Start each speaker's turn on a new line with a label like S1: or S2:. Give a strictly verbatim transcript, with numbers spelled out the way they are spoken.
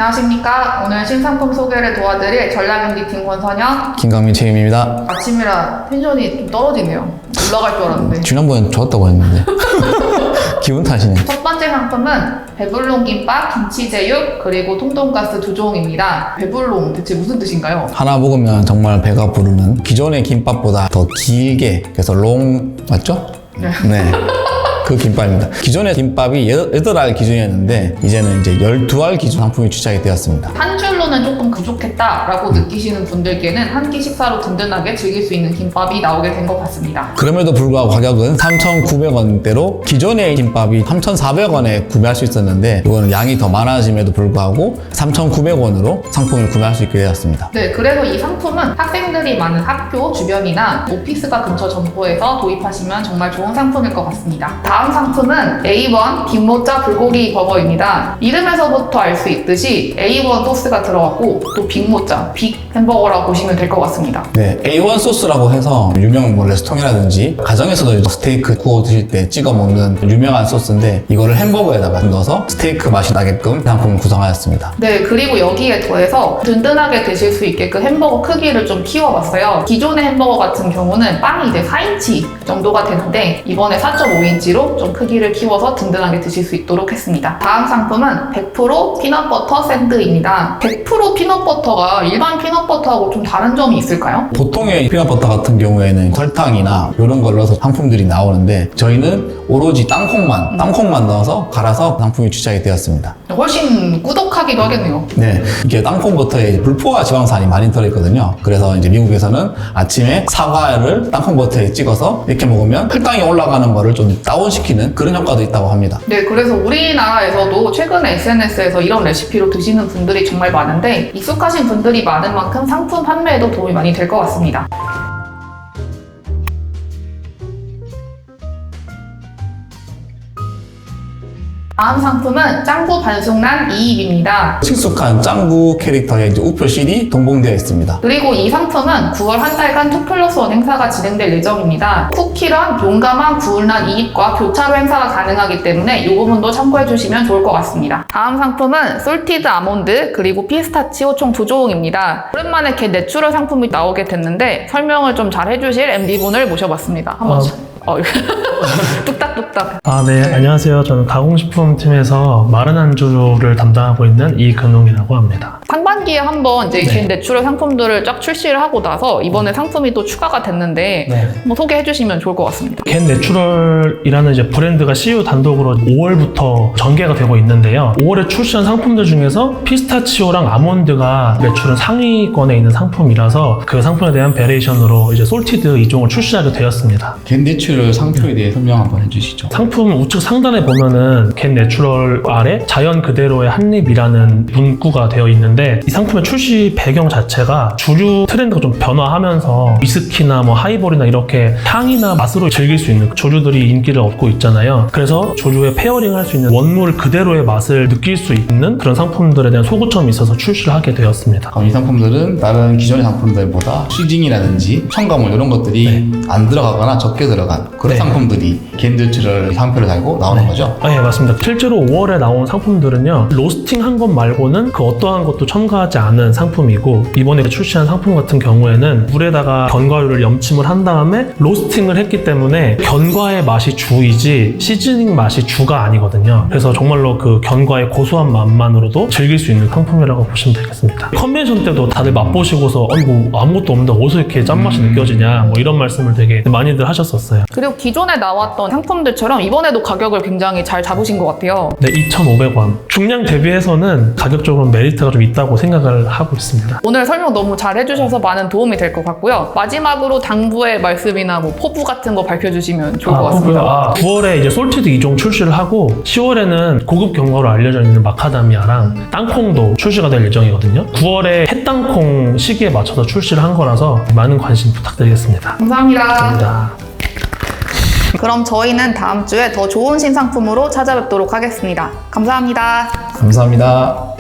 S1: 안녕하십니까. 오늘 신상품 소개를 도와드릴 전략엠디팀 권선영,
S2: 김강민 책임입니다.
S1: 아침이라 텐션이 좀 떨어지네요. 올라갈 줄 알았는데.
S2: 지난번엔 좋았다고 했는데 기분 탓이네.
S1: 첫 번째 상품은 배불롱 김밥, 김치제육, 그리고 통돈가스 두 종입니다. 배불롱 대체 무슨 뜻인가요?
S2: 하나 먹으면 정말 배가 부르는, 기존의 김밥보다 더 길게, 그래서 롱 맞죠?
S1: 네.
S2: 네. 그 김밥입니다. 기존의 김밥이 여덟 알 기준이었는데 이제는 이제 열두 알 기준 상품이 출시하게 되었습니다.
S1: 한 줄로는 조금 부족했다라고
S2: 음.
S1: 느끼시는 분들께는 한 끼 식사로 든든하게 즐길 수 있는 김밥이 나오게 된 것 같습니다.
S2: 그럼에도 불구하고 가격은 삼천구백 원대로 기존의 김밥이 삼천사백 원에 구매할 수 있었는데 이거는 양이 더 많아짐에도 불구하고 삼천구백 원으로 상품을 구매할 수 있게 되었습니다.
S1: 네, 그래서 이 상품은 학생들이 많은 학교 주변이나 오피스가 근처 점포에서 도입하시면 정말 좋은 상품일 것 같습니다. 다음 상품은 에이 원 빅모짜 불고기 버거입니다. 이름에서부터 알 수 있듯이 에이 원 소스가 들어갔고 또 빅모짜, 빅 햄버거라고 보시면 될 것 같습니다.
S2: 네, 에이 원 소스라고 해서 유명 뭐 레스토랑이라든지 가정에서도 스테이크 구워 드실 때 찍어 먹는 유명한 소스인데 이거를 햄버거에다가 넣어서 스테이크 맛이 나게끔 상품을 구성하였습니다.
S1: 네, 그리고 여기에 더해서 든든하게 드실 수 있게 그 햄버거 크기를 좀 키워봤어요. 기존의 햄버거 같은 경우는 빵이 이제 사 인치 정도가 되는데 이번에 사 점 오 인치로 좀 크기를 키워서 든든하게 드실 수 있도록 했습니다. 다음 상품은 백 퍼센트 피넛버터 샌드입니다. 백 퍼센트 피넛버터가 일반 피넛버터하고 좀 다른 점이 있을까요?
S2: 보통의 피넛버터 같은 경우에는 설탕이나 이런 걸 넣어서 상품들이 나오는데 저희는 오로지 땅콩만, 땅콩만 넣어서 갈아서 상품이 출시하게 되었습니다.
S1: 훨씬 꾸덕하기도 하겠네요.
S2: 네, 이게 땅콩버터에 불포화 지방산이 많이 들어있거든요. 그래서 이제 미국에서는 아침에 사과를 땅콩버터에 찍어서 이렇게 먹으면 혈당이 올라가는 거를 좀 다운시키는 그런 효과도 있다고 합니다.
S1: 네, 그래서 우리나라에서도 최근에 에스엔에스에서 이런 레시피로 드시는 분들이 정말 많은데 익숙하신 분들이 많은 만큼 상품 판매에도 도움이 많이 될 것 같습니다. 다음 상품은 짱구 반숙란 이입입니다.
S2: 친숙한 짱구 캐릭터의 이제 우표실이 동봉되어 있습니다.
S1: 그리고 이 상품은 구월 한 달간 투 플러스 원 행사가 진행될 예정입니다. 쿠키런 용감한 구울란 이입과 교차로 행사가 가능하기 때문에 이 부분도 참고해 주시면 좋을 것 같습니다. 다음 상품은 솔티드 아몬드 그리고 피스타치오 총 두 종입니다. 오랜만에 개 내추럴 상품이 나오게 됐는데 설명을 좀 잘 해주실 엠디분을 모셔봤습니다. 한번
S3: 어.
S1: 어, 뚝딱뚝딱.
S3: 아, 네. 안녕하세요. 저는 가공식품팀에서 마른 안주를 담당하고 있는 이근웅이라고 합니다.
S1: 상반기에 한번 이제
S3: 네.
S1: 개 내추럴 상품들을 쫙 출시를 하고 나서 이번에 상품이 또 추가가 됐는데
S3: 네.
S1: 한번 소개해 주시면 좋을 것 같습니다.
S3: 겐 내추럴이라는 이제 브랜드가 씨유 단독으로 오월부터 전개가 되고 있는데요. 오월에 출시한 상품들 중에서 피스타치오랑 아몬드가 내추럴 상위권에 있는 상품이라서 그 상품에 대한 베리에이션으로 이제 솔티드 이 종을 출시하게 되었습니다.
S2: 겐 내추럴 상표에 대해 설명 한번 해주시죠.
S3: 상품 우측 상단에 보면은 겐 내추럴 아래 자연 그대로의 한입이라는 문구가 되어 있는데 이 상품의 출시 배경 자체가 주류 트렌드가 좀 변화하면서 위스키나 뭐 하이볼이나 이렇게 향이나 맛으로 즐길 수 있는 조류들이 인기를 얻고 있잖아요. 그래서 조류에 페어링 할 수 있는 원물 그대로의 맛을 느낄 수 있는 그런 상품들에 대한 소구점이 있어서 출시를 하게 되었습니다.
S2: 이 상품들은 다른 기존의 상품들보다 시징이라든지 첨가물 이런 것들이
S3: 네.
S2: 안 들어가거나 적게 들어간 그런
S3: 네.
S2: 상품들이 겐 내추럴 상표를 달고 나오는
S3: 네.
S2: 거죠?
S3: 아, 예, 맞습니다. 실제로 오월에 나온 상품들은요, 로스팅 한 것 말고는 그 어떠한 것도 첨가하지 않은 상품이고, 이번에 출시한 상품 같은 경우에는 물에다가 견과류를 염침을 한 다음에 로스팅을 했기 때문에 견과의 맛이 주이지 시즈닝 맛이 주가 아니거든요. 그래서 정말로 그 견과의 고소한 맛만으로도 즐길 수 있는 상품이라고 보시면 되겠습니다. 컨벤션 때도 다들 맛보시고서 어, 이거 아무것도 없는데 어디서 이렇게 짠맛이
S2: 음.
S3: 느껴지냐 뭐 이런 말씀을 되게 많이들 하셨었어요.
S1: 그리고 기존에 나왔던 상품들처럼 이번에도 가격을 굉장히 잘 잡으신 것 같아요.
S3: 네, 이천오백 원. 중량 대비해서는 가격적으로 메리트가 좀 있다고 생각을 하고 있습니다.
S1: 오늘 설명 너무 잘 해주셔서 많은 도움이 될 것 같고요. 마지막으로 당부의 말씀이나 뭐 포부 같은 거 밝혀주시면 좋을 것 같습니다.
S3: 아, 구월에 이제 솔티드 이 종 출시를 하고 시월에는 고급 견과로 알려져 있는 마카다미아랑 땅콩도 출시가 될 예정이거든요. 구월에 햇땅콩 시기에 맞춰서 출시를 한 거라서 많은 관심 부탁드리겠습니다.
S1: 감사합니다.
S3: 감사합니다.
S1: 그럼 저희는 다음 주에 더 좋은 신상품으로 찾아뵙도록 하겠습니다. 감사합니다.
S2: 감사합니다.